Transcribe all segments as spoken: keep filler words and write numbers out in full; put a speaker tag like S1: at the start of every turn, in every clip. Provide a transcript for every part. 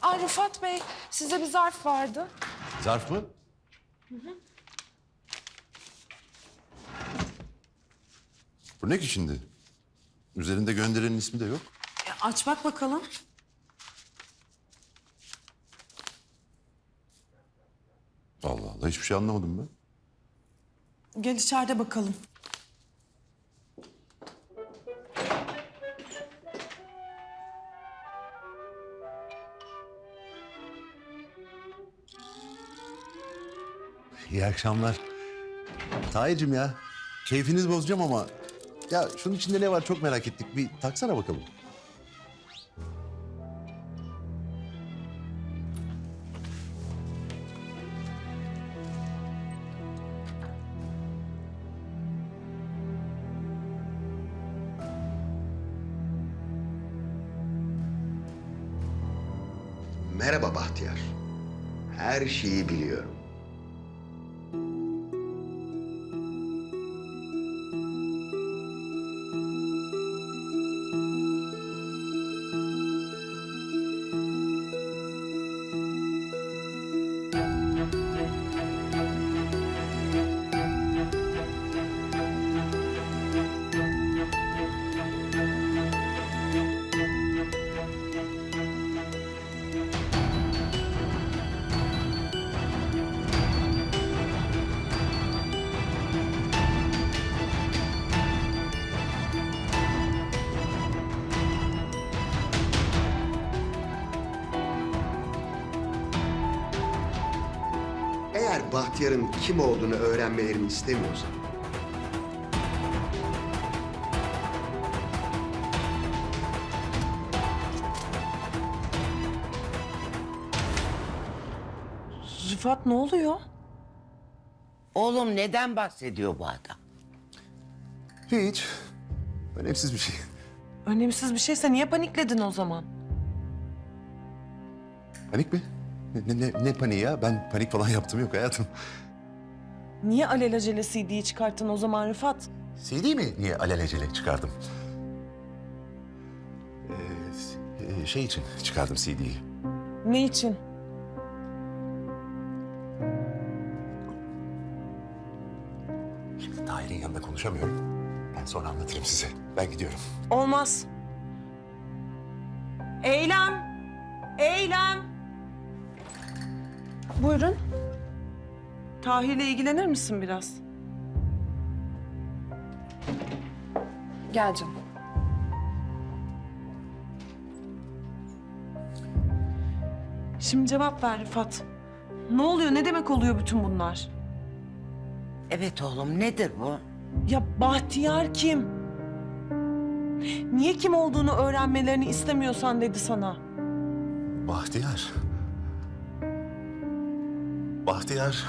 S1: Aa, Rıfat Bey, size bir zarf vardı.
S2: Zarf mı?
S1: Hı hı.
S2: Bu ne ki şimdi? Üzerinde gönderenin ismi de yok.
S1: E, aç bak bakalım.
S2: Allah Allah, hiçbir şey anlamadım ben.
S1: Gel içeride bakalım.
S2: İyi akşamlar. Tahir'cim ya, keyfiniz bozacağım ama... Ya şunun içinde ne var çok merak ettik. Bir taksana bakalım.
S3: Merhaba Bahtiyar. Her şeyi biliyorum. Eğer Bahtiyar'ın kim olduğunu öğrenmelerini istemiyorsan...
S1: Rıfat ne oluyor?
S4: Oğlum neden bahsediyor bu adam?
S2: Hiç. Önemsiz bir şey.
S1: Önemsiz bir şeyse niye panikledin o zaman?
S2: Panik mi? Ne, ne, ne paniği ya? Ben panik falan yaptım yok hayatım.
S1: Niye alelacele C D'yi çıkarttın o zaman Rıfat?
S2: C D mi? Niye alelacele çıkardım? Ee, şey için çıkardım C D'yi.
S1: Ne için?
S2: Şimdi Tahir'in yanında konuşamıyorum. Ben sonra anlatırım size. Ben gidiyorum.
S1: Olmaz. Eylem! Eylem! Buyurun. Tahir'le ilgilenir misin biraz? Gel canım. Şimdi cevap ver Rıfat. Ne oluyor? Ne demek oluyor bütün bunlar?
S4: Evet oğlum nedir bu?
S1: Ya Bahtiyar kim? Niye kim olduğunu öğrenmelerini istemiyorsan dedi sana.
S2: Bahtiyar. Bahtiyar.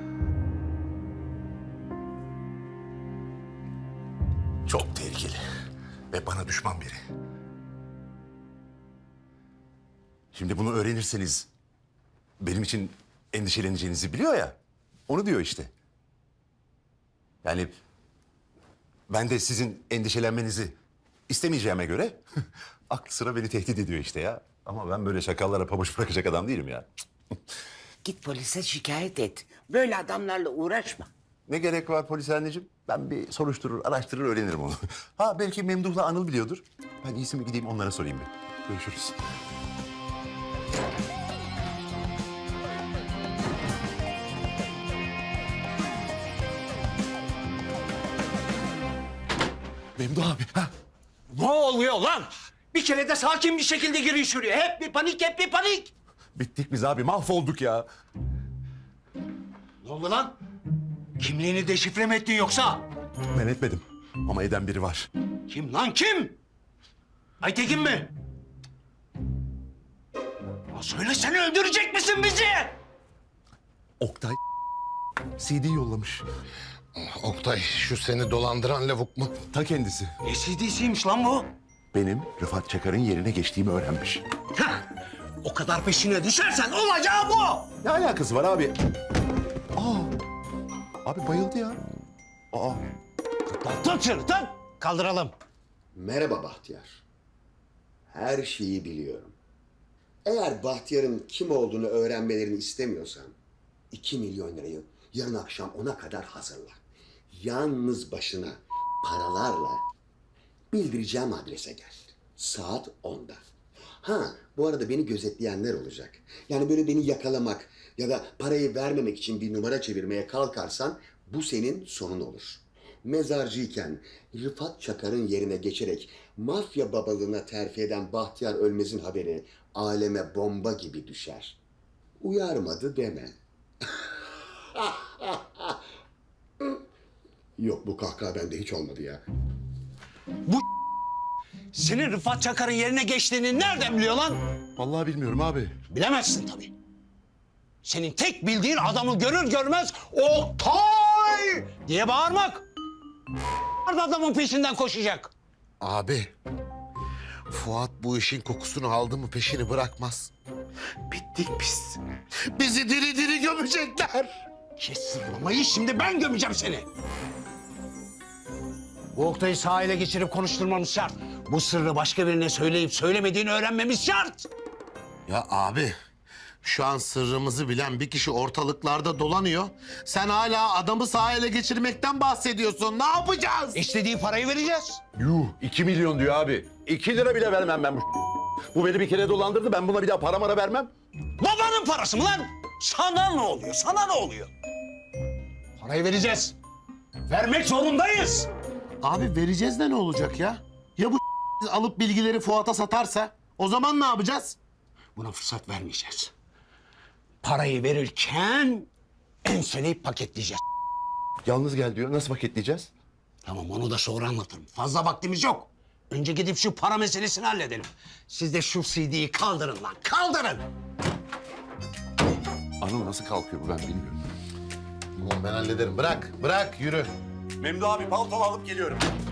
S2: Çok tehlikeli ve bana düşman biri. Şimdi bunu öğrenirseniz benim için endişeleneceğinizi biliyor ya. Onu diyor işte. Yani ben de sizin endişelenmenizi istemeyeceğime göre aklı sıra beni tehdit ediyor işte ya. Ama ben böyle şakallara pabuç bırakacak adam değilim ya.
S4: Git polise şikayet et. Böyle adamlarla uğraşma.
S2: Ne gerek var polis anneciğim? Ben bir soruşturur, araştırır, öğrenirim onu. Ha belki Memduh'la Anıl biliyordur. Ben iyisi mi gideyim onlara sorayım bir. Görüşürüz. Memduh abi, ha?
S5: Ne oluyor lan? Bir kere de sakin bir şekilde girin şuraya. Hep bir panik, hep bir panik.
S2: Bittik biz abi, mahvolduk ya.
S5: Ne oldu lan? Kimliğini deşifre mi ettin yoksa?
S2: Ben etmedim ama eden biri var.
S5: Kim lan kim? Aytekin mi? Ya söylesene öldürecek misin bizi?
S2: Oktay C D yollamış.
S6: Oktay, şu seni dolandıran lavuk mu?
S2: Ta kendisi.
S5: Ne C D'siymiş lan bu?
S2: Benim Rıfat Çakar'ın yerine geçtiğimi öğrenmiş.
S5: Hah! O kadar peşine düşersen olacağı bu.
S2: Ne alakası var abi? Aa, abi bayıldı ya. Aa,
S5: Tut şunu tut. Kaldıralım.
S3: Merhaba Bahtiyar. Her şeyi biliyorum. Eğer Bahtiyar'ın kim olduğunu öğrenmelerini istemiyorsan iki milyon lirayı yarın akşam ona kadar hazırla. Yalnız başına paralarla bildireceğim adrese gel. Saat onda. Ha, bu arada beni gözetleyenler olacak. Yani böyle beni yakalamak ya da parayı vermemek için bir numara çevirmeye kalkarsan bu senin sonun olur. Mezarcıyken Rıfat Çakar'ın yerine geçerek mafya babalığına terfi eden Bahtiyar Ölmez'in haberi aleme bomba gibi düşer. Uyarmadı deme. Yok, bu kahkaha bende hiç olmadı ya.
S5: Senin Rıfat Çakar'ın yerine geçtiğini nereden biliyor lan?
S2: Vallahi bilmiyorum abi.
S5: Bilemezsin tabii. Senin tek bildiğin adamı görür görmez Oktay diye bağırmak. Adamın peşinden koşacak.
S6: Abi, Fuat bu işin kokusunu aldı mı peşini bırakmaz. Bittik biz. Bizi diri diri gömecekler.
S5: Kes sırlamayı, şimdi ben gömeceğim seni. Bu Oktay'ı sahile geçirip konuşturmamız şart. Bu sırrı başka birine söyleyip söylemediğini öğrenmemiz şart.
S6: Ya abi, şu an sırrımızı bilen bir kişi ortalıklarda dolanıyor. Sen hala adamı sahile geçirmekten bahsediyorsun. Ne yapacağız?
S5: İstediği parayı vereceğiz.
S2: Yuh, iki milyon diyor abi. İki lira bile vermem ben bu. Bu beni bir kere dolandırdı. Ben buna bir daha para mara vermem.
S5: Babanın parası mı lan? Sana ne oluyor? Sana ne oluyor? Parayı vereceğiz. Vermek zorundayız.
S6: Abi vereceğiz de ne olacak ya? Ya bu alıp bilgileri Fuat'a satarsa? O zaman ne yapacağız?
S5: Buna fırsat vermeyeceğiz. Parayı verirken enseleyip paketleyeceğiz.
S2: Yalnız gel diyor. Nasıl paketleyeceğiz?
S5: Tamam, onu da sonra anlatırım. Fazla vaktimiz yok. Önce gidip şu para meselesini halledelim. Siz de şu C D'yi kaldırın lan, kaldırın.
S2: Anıl nasıl kalkıyor bu ben bilmiyorum.
S6: Oğlum ben hallederim. Bırak, bırak, yürü.
S2: Memdu abi paltonu alıp geliyorum.